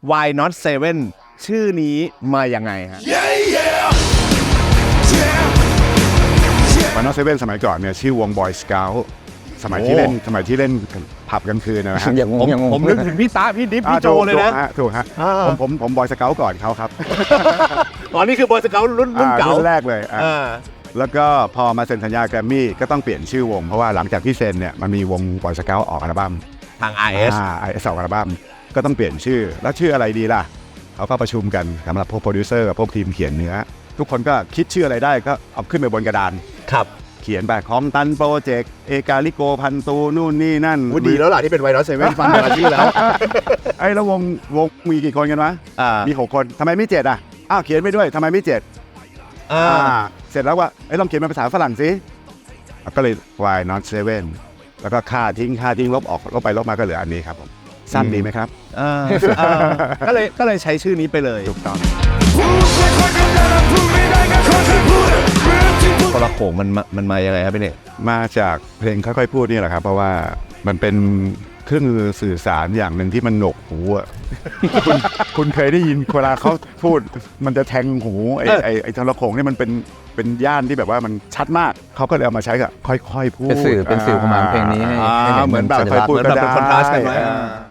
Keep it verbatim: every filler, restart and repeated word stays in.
Why Not Seven ชื่อนี้มายังไงฮะ Why Not Seven สมัยก่อนเนี่ยชื่อวง Boy Scout สมัยที่เล่นสมัยที่เล่นผับกลางคืนนะฮะอย่างงผมอย่างงผมนึกถึงพี่ตาพี่ดิฟพี่โจเลยนะถูกฮะผมผมผม Boy Scout ก่อนเขาครับอ๋อนี่คือบอยสเกลรุ่นรุ่นเก่ารุ่นแรกเลยแล้วก็พอมาเซ็นสัญญาแกรมมี่ก็ต้องเปลี่ยนชื่อวงเพราะว่าหลังจากที่เซ็นเนี่ยมันมีวง Boy Scout ออกอัลบั้มทาง อาร์ เอสอ่า อาร์ เอส ออกอัลบั้มก็ต้องเปลี่ยนชื่อแล้วชื่ออะไรดีล่ะเขาก็ประชุมกันสำหรับพวกโปรดิวเซอร์กับพวกทีมเขียนเนื้อทุกคนก็คิดชื่ออะไรได้ก็เอาขึ้นไปบนกระดานครับเขียนแบบคอมตันโปรเจกต์เอกาลิโกพันตูนู่นนี่นั่นวุดีแล้วล่ะที่เป็น Why Not Seven ฟังแต่ละชื่อแล้วไอ้แล้ววงวงมีกี่คนกันวะอ่ามีมีหกคนทำไมไม่เจ็ดอ่ะอ้าวเขียนไปด้วยทำไมไม่เจ็ดอ่าอ่าเสร็จแล้วว่าไอ้ยลองเขียนเป็นภาษาฝรั่งสิก็เลย Why Not Seven แล้วก็ค่าทิ้งค่าทิ้งลบออกลบไปลบมาก็เหลืออันนี้ครับผมสั้นดีไหมครับอ่าอ่าก็เลยก็เลยใช้ชื่อนี้ไปเลยถูกต้องทรโขงมันมามันมายังไงครับพี่เนกมาจากเพลงค่อยๆพูดนี่แหละครับเพราะว่ามันเป็นเครื่องมือสื่อสารอย่างหนึ่งที่มันหนวกหูอ่ะ คุณคุณเคยได้ยินเวลาเขาพูดมันจะแทงหูไอ้ไอ้ไอ้ทรโขงนี่มันเป็นเป็นย่านที่แบบว่ามันชัดมากเขาก็เลยเอามาใช้กับค่อยๆพูดเป็นสื่อเป็นสื่อประมาณเพลงนี้ให้อ่าให้เหมือนแบบสัญค่อยลักษณ์พูดเหมือนก็แบบได้เป็นคอนทราสต์กันไว้อ่า